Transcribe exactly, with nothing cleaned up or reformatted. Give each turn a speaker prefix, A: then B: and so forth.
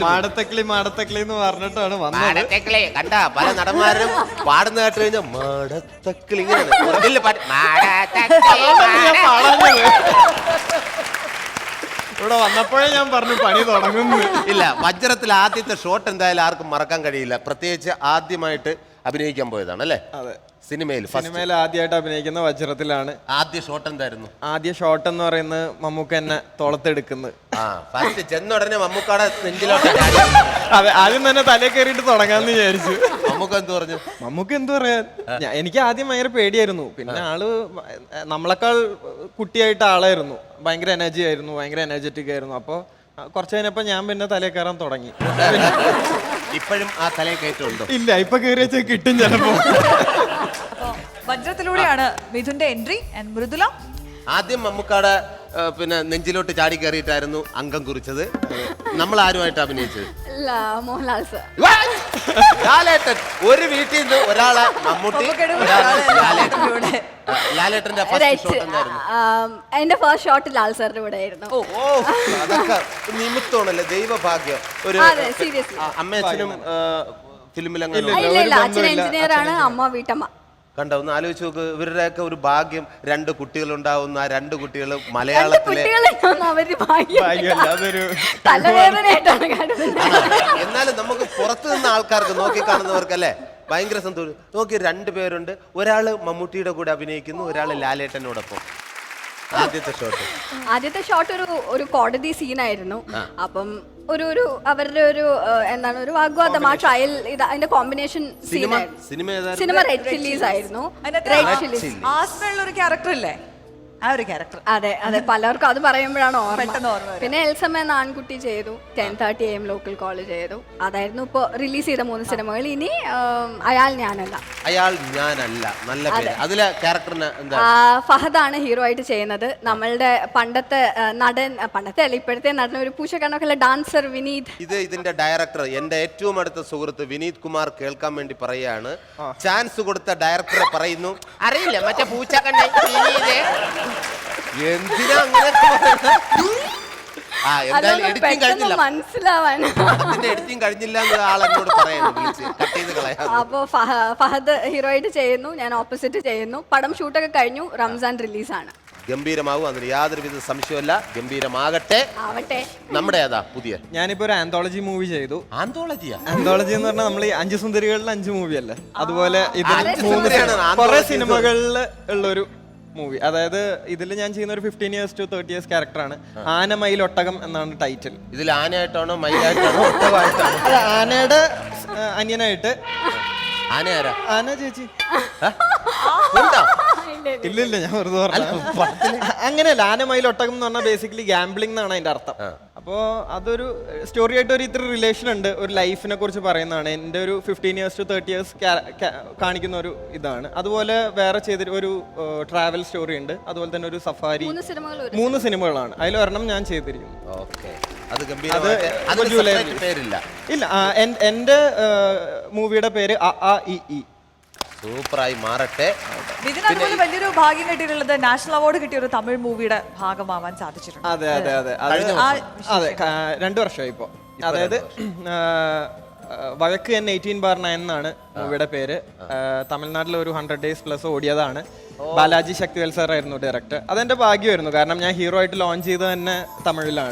A: മാടത്തക്കിളി മാടത്തക്കിളി എന്ന് പറഞ്ഞിട്ടാണ് വന്നത്.
B: മാടത്തക്കിളി കണ്ട പല നടന്മാരും പാടുന്ന കേട്ട് കഴിഞ്ഞാൽ മാടത്തക്കിളി
A: ഇവിടെ വന്നപ്പോഴേ ഞാൻ പറഞ്ഞു പണി തുടങ്ങുന്നു.
B: ഇല്ല, വജ്രത്തിൽ ആദ്യത്തെ ഷോട്ട് എന്തായാലും ആർക്കും മറക്കാൻ കഴിയില്ല. പ്രത്യേകിച്ച് ആദ്യമായിട്ട് അഭിനയിക്കാൻ പോയതാണ് അല്ലേ?
A: അതെ,
B: സിനിമയിൽ
A: സിനിമയിൽ ആദ്യമായിട്ട് അഭിനയിക്കുന്ന വജ്രത്തിലാണ്.
B: ആദ്യ ഷോട്ട് എന്തായിരുന്നു?
A: ആദ്യ ഷോട്ട് എന്ന് പറയുന്നത് മമ്മൂക്ക എന്നെ തോളത്തെടുക്കുന്നത്.
B: ആ ഫസ്റ്റ് ചെന്ന ഉടനെ മമ്മൂക്കാടെ നെഞ്ചിലോട്ട്
A: അതെ, ആദ്യം തന്നെ തലേ കയറിയിട്ട് തുടങ്ങാന്ന് വിചാരിച്ചു.
B: മമ്മൂക്ക എന്ത് പറഞ്ഞു?
A: മമ്മൂക്ക എന്ത് പറയാൻ, എനിക്ക് ആദ്യം ഭയങ്കര പേടിയായിരുന്നു. പിന്നെ ആള് നമ്മളെക്കാൾ കുട്ടിയായിട്ട് ആളായിരുന്നു, ഭയങ്കര എനർജി ആയിരുന്നു, ഭയങ്കര എനർജറ്റിക് ആയിരുന്നു. അപ്പൊ കുറച്ച് കഴിഞ്ഞപ്പോ ഞാൻ പിന്നെ തലേ കയറാൻ തുടങ്ങി.
B: ഇപ്പോഴും ആ തലേ കയറ്റമുണ്ടോ?
A: ഇല്ല, ഇപ്പൊ കയറി വെച്ചാൽ കിട്ടും ചിലപ്പോ.
C: വജ്രത്തിലൂടെയാണ് മിഥുന്റെ എൻട്രി. മൃദുല
B: ആദ്യം മമ്മൂക്കാടെ പിന്നെ നെഞ്ചിലോട്ട് ചാടി കയറിയിട്ടായിരുന്നു അംഗം കുറിച്ചത്. നമ്മൾ ആരുമായിട്ട് അഭിനയിച്ചത്?
D: മോഹൻലാൽ സർ.
B: ലാലേട്ടൻ. ഒരു വീട്ടിൽ നിന്ന് ഒരാളെ മമ്മൂട്ടി, ലാലേട്ടന്റെ ഫസ്റ്റ് ഷോട്ട് എന്തായിരുന്നു?
D: എന്റെ ഫസ്റ്റ് ഷോട്ട് ലാൽ സാറിന്റെ കൂടെ ആയിരുന്നു.
B: ഓ, അതൊക്കെ നിമിത്തമാണല്ലേ, ദൈവഭാഗ്യം. ഒരു അമ്മയച്ഛനും ഫിലിമിൽ
D: അച്ഛൻ എഞ്ചിനീയർ ആണ്, അമ്മ വീട്ടമ്മ.
B: കണ്ടോ, ഒന്ന് ആലോചിച്ച് നോക്ക്. ഇവരുടെയൊക്കെ ഒരു ഭാഗ്യം, രണ്ട് കുട്ടികൾ ഉണ്ടാവുന്ന ആ രണ്ട് കുട്ടികൾ മലയാളത്തിലെ. എന്നാലും നമുക്ക് പുറത്തു നിന്ന ആൾക്കാർക്ക് നോക്കി കാണുന്നവർക്കല്ലേ ഭയങ്കര സന്തോഷം. നോക്കി, രണ്ടുപേരുണ്ട്. ഒരാള് മമ്മൂട്ടിയുടെ കൂടെ അഭിനയിക്കുന്നു, ഒരാള് ലാലേട്ടനോടൊപ്പം. ആദ്യത്തെ ഷോട്ട്
D: ആദ്യത്തെ ഷോട്ട് ഒരു ഒരു കോടതി സീനായിരുന്നു. അപ്പം ഒരു ഒരു അവരുടെ ഒരു എന്താണ് ഒരു വാഗ്വാദം, ആ ട്രയൽ ഇത് അതിന്റെ കോമ്പിനേഷൻ സീനായിരുന്നു. സിനിമ റെഡ് ചില്ലീസ് ആയിരുന്നു. റെഡ് ചില്ലീസ്
C: ആസ്മയുള്ള ഒരു ക്യാരക്ടർ അല്ലേ? ആ ഒരു ക്യാരക്ടർ.
D: അതെ അതെ, പലർക്കും അത് പറയുമ്പോഴാണ് ഓർമ്മ. പിന്നെ എൽസമ്മ എന്ന ആൺകുട്ടി ചെയ്തു, ten thirty M local college ചെയ്തു. അതായിരുന്നു ഇപ്പൊ റിലീസ് ചെയ്ത മൂന്ന് സിനിമകൾ. ഇനി അയാൾ ഞാനല്ല.
B: അയാൾ ഞാനല്ല, നല്ല പേര്. അതിലെ ക്യാരക്ടറിന് എന്താ?
D: ഫഹദാണ് ഹീറോ ആയിട്ട് ചെയ്യുന്നത്. നമ്മളുടെ പണ്ടത്തെ നടൻ, പണ്ടത്തെ അല്ല ഇപ്പോഴത്തെ നടൻ, ഒരു പൂച്ചക്കണ്ണൊക്കെ ഡാൻസർ വിനീത്.
B: ഇത് ഇതിന്റെ ഡയറക്ടർ, എന്റെ ഏറ്റവും അടുത്ത സുഹൃത്ത് വിനീത് കുമാർ കേൾക്കാൻ വേണ്ടി പറയാണ്. ചാൻസ് കൊടുത്ത ഡയറക്ടറെ പറയുന്നു, അറിയില്ല മറ്റേ പൂച്ചക്കണ്ണ എന്തിനാ അങ്ങനെ
D: മനസ്സിലാവാൻ
B: എഡിറ്റിംഗ് കഴിഞ്ഞില്ല എന്ന് ആൾ എന്നോട് പറയുന്നു.
D: അപ്പൊ ഫഹദ് ഹീറോ ആയിട്ട് ചെയ്യുന്നു, ഞാൻ ഓപ്പോസിറ്റ് ചെയ്യുന്നു. പടം ഷൂട്ടൊക്കെ കഴിഞ്ഞു, റംസാൻ റിലീസാണ്.
B: ഗംഭീരമാകും, അതിന് യാതൊരുവിധ സംശയമല്ല. ഗംഭീരമാകട്ടെ. നമ്മുടെ ഏതാ പുതിയ?
A: ഞാനിപ്പോ ഒരു ആന്തോളജി മൂവി ചെയ്തു.
B: ആന്തോളജിയാ?
A: ആന്തോളജി എന്ന് പറഞ്ഞാൽ നമ്മൾ ഈ അഞ്ച് സുന്ദരികളിൽ അഞ്ച് മൂവി അല്ലേ, അതുപോലെ ഇതിൽ കുറെ സിനിമകളിൽ ഉള്ളൊരു മൂവി. അതായത് ഇതിൽ ഞാൻ ചെയ്യുന്ന ഒരു fifteen years to thirty years ക്യാരക്ടറാണ്. ആന മയിൽ ഒട്ടകം എന്നാണ് ടൈറ്റിൽ.
B: ഇതിൽ ആനയായിട്ടാണോ മയിലായിട്ടാണോ ഒട്ടകമായിട്ടാണോ?
A: അല്ല, ആനയുടെ അനിയനായിട്ട്.
B: ആന ആരാ?
A: ആന ചേച്ചി. ഇല്ല ഇല്ല, ഞാൻ വെറുതെ പറഞ്ഞു. അങ്ങനെയല്ല, ആന മയിൽ ഒട്ടകം എന്ന് പറഞ്ഞാൽ ബേസിക്കലി ഗാംബ്ലിംഗ് എന്നാണ് അതിന്റെ അർത്ഥം. അപ്പോ അതൊരു സ്റ്റോറി ആയിട്ട് ഒരു ഇത്ര റിലേഷൻ ഉണ്ട്, ഒരു ലൈഫിനെ കുറിച്ച് പറയുന്നതാണ്. എൻ്റെ ഒരു fifteen years to thirty years കാണിക്കുന്ന ഒരു ഇതാണ്. അതുപോലെ വേറെ ചെയ്തിട്ട് ഒരു ട്രാവൽ സ്റ്റോറി ഉണ്ട്. അതുപോലെ തന്നെ ഒരു സഫാരി. മൂന്ന് സിനിമകളാണ്, അതിലൊരെണ്ണം ഞാൻ ചെയ്തിരിക്കുന്നു. ഇല്ല, എൻ്റെ മൂവിയുടെ പേര് അ ആ ഇ ഇ.
B: സൂപ്പറായി മാറട്ടെ.
C: ഇതിനകത്ത് വലിയൊരു ഭാഗ്യം കിട്ടിയിട്ടുള്ളത് നാഷണൽ അവാർഡ് കിട്ടിയ ഒരു തമിഴ് മൂവിയുടെ ഭാഗമാവാൻ സാധിച്ചിട്ടുണ്ട്.
A: അതെ അതെ അതെ അതെ, രണ്ടു വർഷമായി ഇപ്പോ. അതായത് വഴക്ക് എൻ എയ്റ്റീൻ ബാർ നയൻ എന്നാണ് മൂവിയുടെ പേര്. തമിഴ്നാട്ടിൽ ഒരു ഹൺഡ്രഡ് ഡേയ്സ് പ്ലസ് ഓടിയതാണ്. ബാലാജി ശക്തിവേൽ സാർ ആയിരുന്നു ഡയറക്ടർ. അതെന്റെ ഭാഗ്യമായിരുന്നു, കാരണം ഞാൻ ഹീറോ ആയിട്ട് ലോഞ്ച് ചെയ്തത് തന്നെ തമിഴിലാണ്.